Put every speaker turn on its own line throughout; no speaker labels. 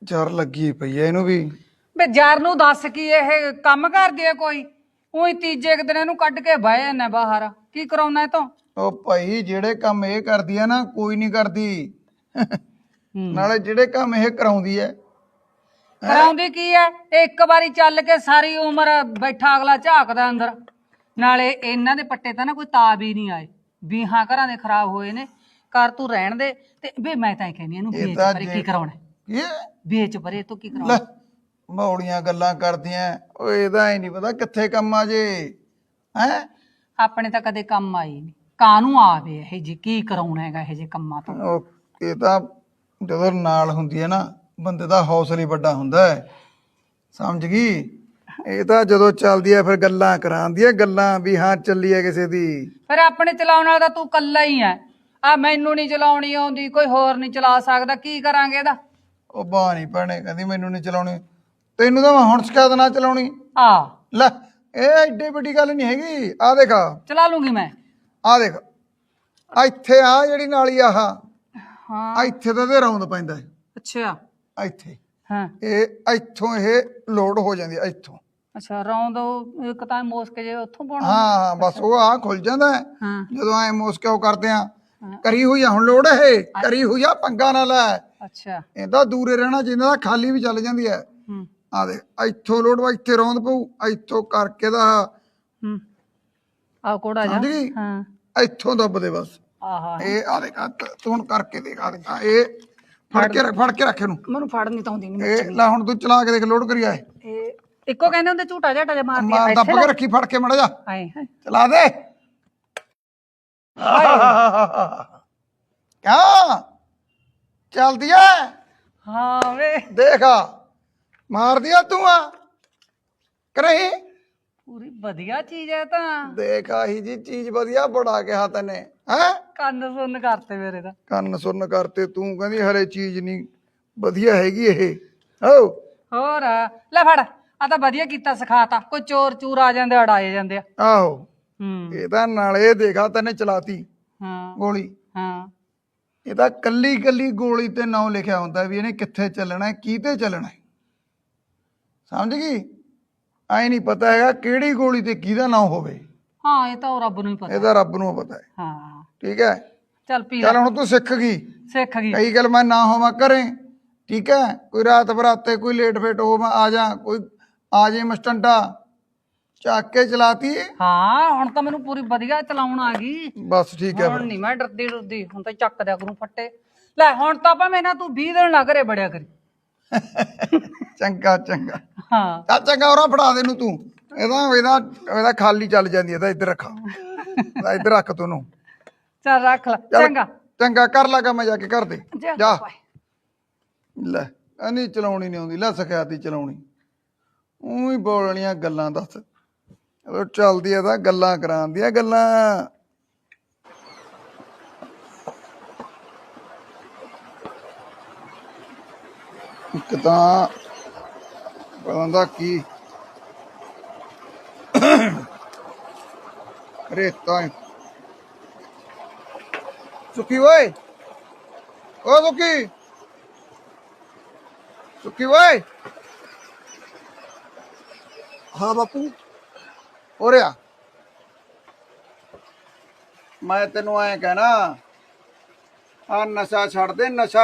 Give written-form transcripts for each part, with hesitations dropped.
ਜ਼ਰ ਲੱਗੀ ਪਈ ਐ ਇਹਨੂੰ ਵੀ।
ਬੇ ਜਰ ਨੂੰ ਦੱਸ ਕੀ ਇਹ ਕੰਮ ਕਰਦੀ ਹੈ ਕੋਈ? ਉਹੀ ਤੀਜੇ ਕੁ ਦਿਨ ਇਹਨੂੰ ਕੱਢ ਕੇ ਬਹਿ ਜਾਂਦਾ ਬਾਹਰ। ਕੀ ਕਰਾਉਣਾ ਇਹ ਤੋਂ?
ਉਹ ਭਾਈ ਜਿਹੜੇ ਕੰਮ ਇਹ ਕਰਦੀ ਆ ਨਾ ਕੋਈ ਨਹੀਂ ਕਰਦੀ। ਨਾਲੇ ਜਿਹੜੇ ਕੰਮ ਇਹ ਕਰਾਉਂਦੀ ਐ
ਕਰਾਉਂਦੀ ਕੀ ਹੈ? ਇਹ ਇੱਕ ਵਾਰੀ ਚੱਲ ਕੇ ਸਾਰੀ ਉਮਰ ਬੈਠਾ ਅਗਲਾ ਝਾਕਦਾ ਅੰਦਰ। ਨਾਲੇ ਇਹਨਾਂ ਦੇ ਪੱਟੇ ਤਾਂ ਨਾ ਕੋਈ ਤਾਬ ਹੀ ਨਹੀਂ ਆਏ। ਵੀਹਾਂ ਘਰਾਂ ਦੇ ਖਰਾਬ ਹੋਏ ਨੇ। ਕਰ ਤੂੰ ਰਹਿਣ ਦੇ। ਤੇ ਵੇ ਮੈਂ ਤਾਂ ਇਹ ਕਹਿੰਦੀ ਇਹਨੂੰ ਵੇਚ ਪਰੇ। ਕੀ ਕਰਾਉਣਾ?
ਇਹ
ਵੇਚ ਪਰੇ ਤੂੰ ਕੀ
ਲੈ
ਕਰਾਉਣਾ?
ਮੌੜੀਆਂ ਗੱਲਾਂ ਕਰਦੀਆਂ। ਓਏ ਇਹਦਾ ਹੀ ਨਹੀਂ ਪਤਾ ਕਿੱਥੇ ਕੰਮ ਆ ਜੇ। ਹੈ
ਆਪਣੇ ਤਾਂ ਕਦੇ ਕੰਮ ਆਈ ਨਹੀਂ। ਕਾਹਨੂੰ ਆਵੇ ਇਹ ਜੀ? ਕੀ ਕਰਾਉਣਾ ਹੈਗਾ ਇਹ ਜੇ ਕੰਮਾਂ ਤੋਂ?
ਉਹ ਇਹ ਤਾਂ ਜਦੋਂ ਨਾਲ ਹੁੰਦੀ ਹੈ ਨਾ ਬੰਦੇ ਦਾ ਹੌਸਲਾ ਹੀ ਵੱਡਾ ਹੁੰਦਾ ਹੈ। ਸਮਝ ਗਈ? ਇਹ ਤਾਂ ਜਦੋਂ ਚੱਲਦੀ ਹੈ ਫਿਰ ਗੱਲਾਂ ਕਰਾਉਂਦੀ ਹੈ, ਗੱਲਾਂ ਵੀ ਹਾਂ ਚੱਲੀ ਹੈ ਕਿਸੇ ਦੀ।
ਫਿਰ ਆਪਣੇ ਚਲਾਉਣ ਵਾਲਾ ਤਾਂ ਤੂੰ ਕੱਲਾ ਹੀ ਹੈ। ਆ ਮੈਨੂੰ ਨਹੀਂ ਚਲਾਉਣੀ ਆਉਂਦੀ, ਕੋਈ ਹੋਰ ਨਹੀਂ ਚਲਾ ਸਕਦਾ। ਕੀ ਕਰਾਂਗੇ ਇਹਦਾ?
ਉਹ ਬਾਹ ਨਹੀਂ ਭੈਣੇ ਕਹਿੰਦੀ ਮੈਨੂੰ ਨਹੀਂ ਚਲਾਉਣੀ। ਤੈਨੂੰ ਤਾਂ ਮੈਂ ਹੁਣ ਸ਼ਿਕਾਇਤ ਨਾ ਚਲਾਉਣੀ।
ਆ
ਲੈ ਇਹ ਏਡੀ ਵੱਡੀ ਗੱਲ ਨਹੀਂ ਹੈਗੀ। ਆ ਦੇਖ,
ਚਲਾ ਲੂੰਗੀ ਮੈਂ।
ਆ ਦੇਖ, ਇੱਥੇ ਆ ਜਿਹੜੀ ਨਾਲੀ ਆਹ
ਹਾਂ
ਇੱਥੇ ਤਾਂ ਇਹਦੇ ਰੌਂਦ ਪੈਂਦਾ ਹੈ।
ਅੱਛਾ
ਇੱਥੇ
ਹਾਂ
ਇਹ ਇੱਥੋਂ ਇਹ ਲੋਡ ਹੋ ਜਾਂਦੀ ਹੈ ਇੱਥੋਂ।
ਅੱਛਾ ਰੌਂਦ ਇੱਕ ਤਾਂ ਮੋਸਕੇ ਜੇ ਉੱਥੋਂ ਪਾਉਣਾ।
ਹਾਂ ਬਸ ਉਹ ਆ ਖੁੱਲ ਜਾਂਦਾ ਹੈ
ਹਾਂ
ਜਦੋਂ ਐ ਮੋਸਕੇ ਉਹ ਕਰਦੇ ਆ। ਕਰੀ ਹੋਈ ਆ ਹੁਣ ਲੋਡ, ਇਹ ਕਰੀ ਹੋਈ ਆ, ਪੰਗਾ ਨਾ ਲੈ।
ਅੱਛਾ
ਇਹਦਾ ਦੂਰੇ ਰਹਿਣਾ ਜਿੰਨਾ ਦਾ ਖਾਲੀ ਵੀ ਚੱਲ ਜਾਂਦੀ ਹੈ।
ਹੂੰ
ਆ ਦੇ ਇੱਥੋਂ ਲੋਡ ਵਾ, ਇੱਥੇ ਰੌਂਦ ਪਊ, ਇੱਥੋਂ ਕਰਕੇ ਦਾ
ਹੂੰ ਆ ਕੋੜਾ ਜਾ।
ਸਮਝ ਗਈ?
ਹਾਂ
ਇੱਥੋਂ ਦੱਬ ਦੇ ਬਸ।
ਆਹਾ
ਇਹ ਆ ਦੇਖ ਤੂੰ ਹੁਣ ਕਰਕੇ ਦੇਖ। ਆ ਦੇਖ ਇਹ ਫੜ ਕੇ ਰੱਖ ਇਹਨੂੰ।
ਮੈਨੂੰ ਫੜਨੀ ਤਾਂ ਆਉਂਦੀ ਨਹੀਂ।
ਇਹ ਲੈ ਹੁਣ ਤੂੰ ਚਲਾ ਕੇ ਦੇਖ ਲੋਡ ਕਰੀ ਆਏ।
ਇਹ ਇੱਕੋ ਕਹਿੰਦੇ ਹੁੰਦੇ ਝੂਟਾ ਝਾਟਾ ਜਿਹਾ ਮਾਰਦੀ
ਮਾਰ ਦੱਬ ਕੇ ਰੱਖੀ, ਫੜ ਕੇ ਮੜਾ ਜਾ
ਹਾਏ ਹਾਏ
ਚਲਾ ਦੇ। ਕਿਆ ਚੱਲਦੀ ਐ?
ਹਾਂ ਵੇ
ਦੇਖ ਮਾਰਦੀ ਆ ਤੂੰ ਆ ਕਰਹੀਂ।
ਪੂਰੀ ਵਧੀਆ ਚੀਜ਼ ਹੈ ਤਾਂ।
ਦੇਖ ਆਹੀ ਜੀ ਚੀਜ਼ ਵਧੀਆ ਬੜਾ ਕਿਹਾ ਤੈਨੇ। ਹੈ
ਕੰਨ ਸੁੰਨ ਕਰਤੇ ਮੇਰੇ ਤਾਂ।
ਕੰਨ ਸੁਣ ਕਰਤੇ ਤੂੰ ਕਹਿੰਦੀ ਹਰੇ ਚੀਜ਼ ਨਹੀਂ ਵਧੀਆ ਹੈਗੀ ਇਹ। ਹੋ
ਹੋਰ ਲੈ ਫੜ। ਆ ਤਾਂ ਵਧੀਆ ਕੀਤਾ, ਸਿਖਾਤਾ। ਕੋਈ ਚੋਰ ਚੂਰ ਆ ਜਾਂਦੇ ਅੜਾਏ ਜਾਂਦੇ ਆ।
ਆਹੋ
ਹੂੰ
ਇਹਦਾ ਨਾਲੇ ਦੇਖਾ ਤੈਨੇ ਚਲਾਤੀ
ਹਾਂ
ਗੋਲੀ।
ਹਾਂ
ਇਹਦਾ ਕੱਲੀ ਕੱਲੀ ਗੋਲੀ ਤੇ ਨਾਂ ਲਿਖਿਆ ਹੁੰਦਾ ਵੀ ਇਹਨੇ ਕਿੱਥੇ ਚੱਲਣਾ ਹੈ, ਕਿਹਤੇ ਚੱਲਣਾ ਹੈ। ਸਮਝ ਗਈ? ਐ ਨਹੀਂ ਪਤਾ ਹੈਗਾ ਕਿਹੜੀ ਗੋਲੀ ਤੇ ਕਿਹਦਾ ਨਾਂ ਹੋਵੇ।
ਹਾਂ ਇਹ ਤਾਂ ਉਹ ਰੱਬ ਨੂੰ ਹੀ ਪਤਾ।
ਇਹਦਾ ਰੱਬ ਨੂੰ ਪਤਾ ਹੈ।
ਹਾਂ
ਠੀਕ ਹੈ
ਚੱਲ ਪੀ
ਚੱਲ
ਲੈ।
ਹੁਣ ਤੂੰ ਸਿੱਖ ਗਈ।
ਸਿੱਖ ਗਈ।
ਕਈ ਗੱਲ ਮੈਂ ਨਾ ਹੋਵਾਂ ਘਰੇ, ਠੀਕ ਹੈ, ਕੋਈ ਰਾਤ ਬਰਾਤੇ ਕੋਈ ਲੇਟ ਫੇਟ ਹੋ ਮੈਂ ਆ ਜਾ, ਕੋਈ ਆ ਜੇ ਮਸਟੰਡਾ ਚੱਕ ਕੇ ਚਲਾਤੀ।
ਹਾਂ ਹੁਣ ਤਾਂ ਮੈਨੂੰ ਪੂਰੀ ਵਧੀਆ ਚਲਾਉਣ ਆ ਗਈ।
ਬਸ ਠੀਕ ਹੈ
ਹੁਣ ਨਹੀਂ ਮੈਂ ਡਰਦੀ ਡਰਦੀ। ਹੁਣ ਤਾਂ ਚੱਕ ਦਿਆ ਕਰੂੰ ਫੱਟੇ। ਲੈ ਹੁਣ ਤਾਂ ਭਾਵੇਂ ਨਾ ਤੂੰ 20 ਦਿਨ ਨਾ ਘਰੇ ਬੜਿਆ ਕਰੀ।
ਚੰਗਾ ਚੰਗਾ
ਹਾਂ
ਚੱਲ ਚੰਗਾ ਹੋਰਾਂ ਫੜਾ ਦੇ ਨੂੰ ਤੂੰ। ਇਹਦਾ ਖਾਲੀ ਚੱਲ ਜਾਂਦੀ। ਇਹਦਾ ਇੱਧਰ ਰੱਖਾ, ਇੱਧਰ ਰੱਖ ਤੂੰ ਨੂੰ।
ਚੱਲ ਰੱਖ ਲੈ।
ਚੱਲ
ਚੰਗਾ
ਚੰਗਾ ਕਰ ਲਾਗਾ ਮੈਂ ਜਾ ਕੇ ਘਰ ਦੇ। ਜਾ
ਬਾਏ।
ਲੈ ਨਹੀਂ ਚਲਾਉਣੀ ਨਹੀਂ ਆਉਂਦੀ। ਲੈ ਸਿਖਾਤੀ ਚਲਾਉਣੀ। ਉਹੀ ਬੋਲਣੀਆਂ ਗੱਲਾਂ ਦੱਸ। ਉਹ ਚੱਲਦੀ ਆ ਤਾਂ ਗੱਲਾਂ ਕਰਾਉਂਦੀਆਂ ਗੱਲਾਂ। ਇੱਕ ਤਾਂ ਬੰਦਾ ਕੀ ਰੇਤਾ ਸੁੱਕੀ ਓਏ, ਓ ਸੁੱਕੀ ਸੁੱਕੀ ਓਏ।
ਹਾਂ ਬਾਪੂ।
ਹੋ ਰਿਹਾ ਮੈਂ ਤੈਨੂੰ ਐ ਕਹਿਣਾ ਆ ਨਸ਼ਾ ਛੱਡ ਦੇ। ਨਸ਼ਾ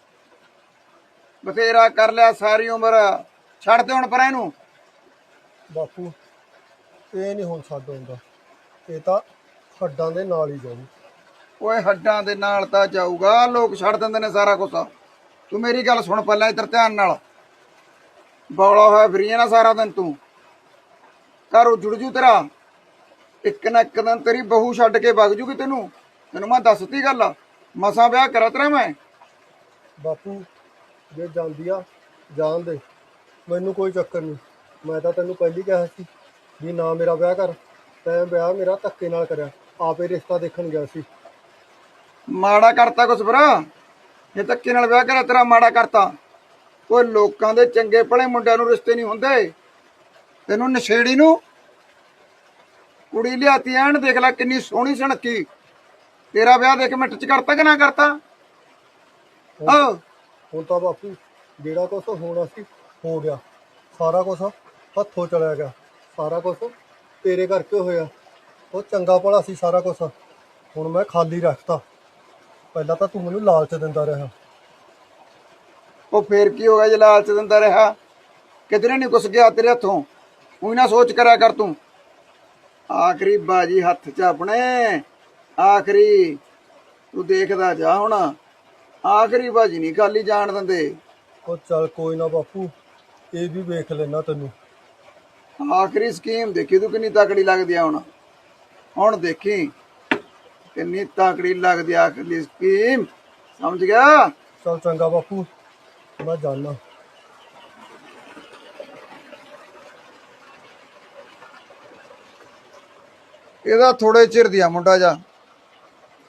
ਬਥੇਰਾ ਕਰ ਲਿਆ ਸਾਰੀ ਉਮਰ, ਛੱਡ ਦੇ ਹੁਣ ਪਰ ਇਹਨੂੰ।
ਬਾਪੂ ਇਹ ਨਹੀਂ ਹੁਣ ਛੱਡ ਹੁੰਦਾ, ਇਹ ਤਾਂ ਹੱਡਾਂ ਦੇ ਨਾਲ ਹੀ ਜਾਊ।
ਓਏ ਹੱਡਾਂ ਦੇ ਨਾਲ ਤਾਂ ਜਾਊਗਾ, ਲੋਕ ਛੱਡ ਦਿੰਦੇ ਨੇ ਸਾਰਾ ਕੁਛ। ਤੂੰ ਮੇਰੀ ਗੱਲ ਸੁਣ ਪਹਿਲਾਂ ਇੱਧਰ ਧਿਆਨ ਨਾਲ। ਬੌਲਾ ਹੋਇਆ ਫਿਰੀ ਨਾ ਸਾਰਾ ਦਿਨ ਤੂੰ, ਘਰ ਉਜੜ ਜੂ ਤੇਰਾ। ਇੱਕ ਨਾ ਇੱਕ ਦਿਨ ਤੇਰੀ ਬਹੂ ਛੱਡ ਕੇ ਵਗ ਜੂਗੀ ਤੈਨੂੰ। ਤੈਨੂੰ ਮੈਂ ਦੱਸਤੀ ਗੱਲ, ਮਸਾਂ ਵਿਆਹ ਕਰਾ ਤੇਰਾ ਮੈਂ।
ਬਾਪੂ ਜੇ ਜਾਂਦੀ ਆ ਜਾਣ ਦੇ, ਮੈਨੂੰ ਕੋਈ ਚੱਕਰ ਨਹੀਂ। ਮੈਂ ਤਾਂ ਤੈਨੂੰ ਪਹਿਲੀ ਕਿਹਾ ਸੀ ਵੀ ਨਾ ਮੇਰਾ ਵਿਆਹ ਕਰ। ਤੈਂ ਵਿਆਹ ਮੇਰਾ ਧੱਕੇ ਨਾਲ ਕਰਿਆ, ਆਪੇ ਰਿਸ਼ਤਾ ਦੇਖਣ ਗਿਆ ਸੀ।
ਮਾੜਾ ਕਰਤਾ ਕੁਛ ਭਰਾ? ਜੇ ਧੱਕੇ ਨਾਲ ਵਿਆਹ ਕਰਿਆ ਤੇਰਾ ਮਾੜਾ ਕਰਤਾ? ਕੋਈ ਲੋਕਾਂ ਦੇ ਚੰਗੇ ਭਲੇ ਮੁੰਡਿਆਂ ਨੂੰ ਰਿਸ਼ਤੇ ਨਹੀਂ ਹੁੰਦੇ। ਤੈਨੂੰ ਨਸ਼ੇੜੀ ਨੂੰ ਕੁੜੀ ਲਿਆਤੀ ਐਨ ਦੇਖ ਲੈ ਕਿੰਨੀ ਸੋਹਣੀ ਸੁਣੱਖੀ। ਤੇਰਾ ਵਿਆਹ ਦੇਖ ਮਿੰਟ ਚ ਕਰਤਾ ਕਿ ਨਾ ਕਰਤਾ?
ਹੁਣ ਤਾਂ ਬਾਪੂ ਜਿਹੜਾ ਕੁਛ ਹੋਣਾ ਸੀ ਹੋ ਗਿਆ। ਸਾਰਾ ਕੁਛ ਹੱਥੋਂ ਚਲਿਆ ਗਿਆ। ਸਾਰਾ ਕੁਛ ਤੇਰੇ ਕਰਕੇ ਹੋਇਆ। ਉਹ ਚੰਗਾ ਭਲਾ ਸੀ ਸਾਰਾ ਕੁਛ, ਹੁਣ ਮੈਂ ਖਾਲੀ ਰੱਖਤਾ। ਪਹਿਲਾਂ ਤਾਂ ਤੂੰ ਮੈਨੂੰ ਲਾਲਚ ਦਿੰਦਾ ਰਿਹਾ।
ਉਹ ਫੇਰ ਕੀ ਹੋ ਗਿਆ ਜੇ ਲਾਲਚ ਦਿੰਦਾ ਰਿਹਾ? ਕਿਧਰੇ ਨਹੀਂ ਕੁਛ ਗਿਆ ਤੇਰੇ ਹੱਥੋਂ। ਉਹੀ ਨਾ ਸੋਚ ਕਰਿਆ ਕਰ ਤੂੰ। ਆਖਰੀ ਬਾਜੀ ਹੱਥ 'ਚ ਆਪਣੇ, ਆਖਰੀ ਤੂੰ ਦੇਖਦਾ ਜਾ ਹੁਣ। ਆਖਰੀ ਬਾਜੀ ਨਹੀਂ ਖਾਲੀ ਜਾਣ ਦਿੰਦੇ।
ਉਹ ਚੱਲ ਕੋਈ ਨਾ ਬਾਪੂ, ਇਹ ਵੀ ਵੇਖ ਲੈਣਾ ਤੈਨੂੰ।
ਆਖਰੀ ਸਕੀਮ ਦੇਖੀ ਤੂੰ ਕਿੰਨੀ ਤਕੜੀ ਲੱਗਦੀ ਆ ਹੁਣ ਦੇਖੀ ਕਿੰਨੀ ਤਕੜੀ ਲੱਗਦੀ ਆ ਆਖਰੀ ਸਕੀਮ। ਸਮਝ ਗਿਆ?
ਚੱਲ ਚੰਗਾ ਬਾਪੂ, ਮੈਂ ਜਾਣਾ।
ਇਹਦਾ ਥੋੜੇ ਚਿਰ ਦੀ ਆ ਮੁੰਡਾ ਜਾ,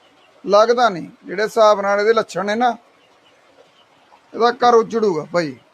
ਲੱਗਦਾ ਨਹੀਂ ਜਿਹੜੇ ਹਿਸਾਬ ਨਾਲ ਇਹਦੇ ਲੱਛਣ ਨੇ ਨਾ, ਇਹਦਾ ਘਰ ਉਜੜੂਗਾ ਭਾਈ।